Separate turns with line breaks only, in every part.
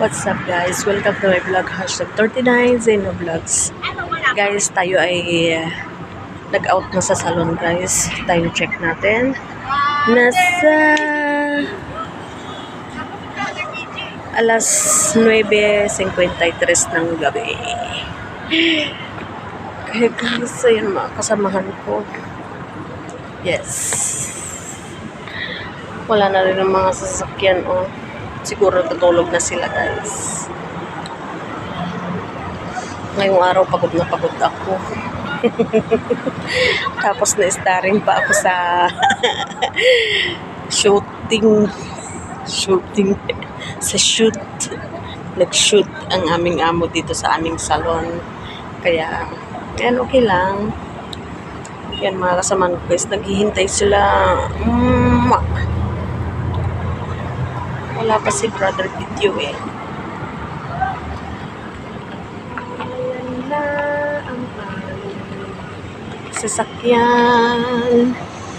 What's up guys? Welcome to my vlog, #39 Zeno Vlogs. Guys, tayo ay nag-out na sa salon guys. Time check natin. Nasa alas 9:53 ng gabi. Kaya guys, ayun mga kasamahan ko. Yes. Wala na rin ang mga sasakyan oh. Siguro tutulog na sila guys. Ngayong araw pagod na pagod ako. Tapos na-starring pa ako sa shooting sa shoot. Nag-shoot ang aming amo dito sa aming salon. Kaya yan, okay lang. Yan mga kasama ko guys, naghihintay sila. Wala pa si brother video eh. Ayan na ang sasakyan.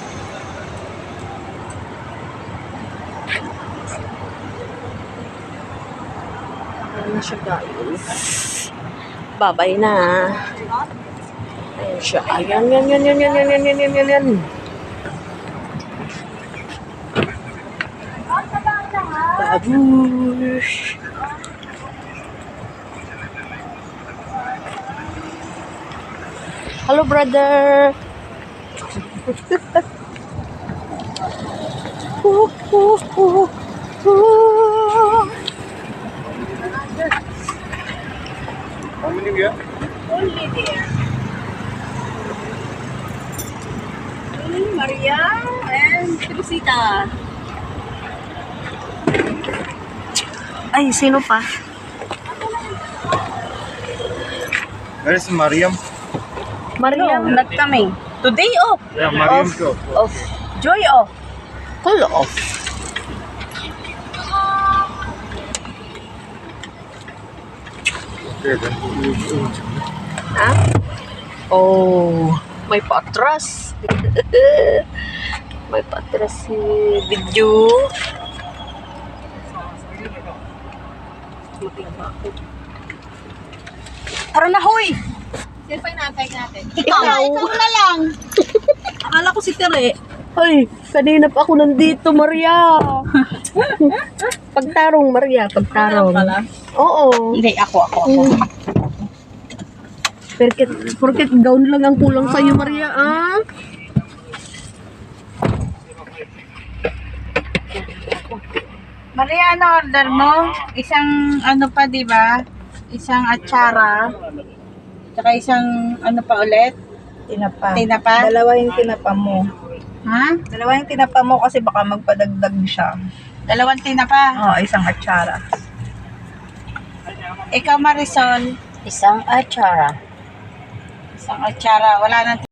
Ayan na siya guys. Babay na. Ayan siya. Ayan. Babush. Hello, brother.
How many we are?
Only there. Maria and Teresita.
Ay, sino pa?
Where is Mariam?
Mariam.
No, not coming. Today off.
Yeah, Mariam go.
Off. Joy off.
Call off.
Okay, then.
Ha? Oh, may patras. May patras si video.
Tara na, hoy! Siyempre natin. Ikaw na lang. Akala ko si Tere.
Ay, kanina pa ako nandito, Maria. Pagtarong, Maria. Pagtarong. Oo.
Hindi, ako.
Porket gown lang ang kulang sa'yo, Maria, ah.
Maria, ano order mo? Isang ano pa, di ba? Isang atsara. Tsaka isang ano pa ulit?
Tinapa.
Tinapa?
Dalawa yung tinapa mo.
Ha?
Dalawa yung tinapa mo kasi baka magpadagdag siya.
Dalawang tinapa.
Oo, isang atsara.
Ikaw, Marisol.
Isang atsara.
Isang atsara. Wala nang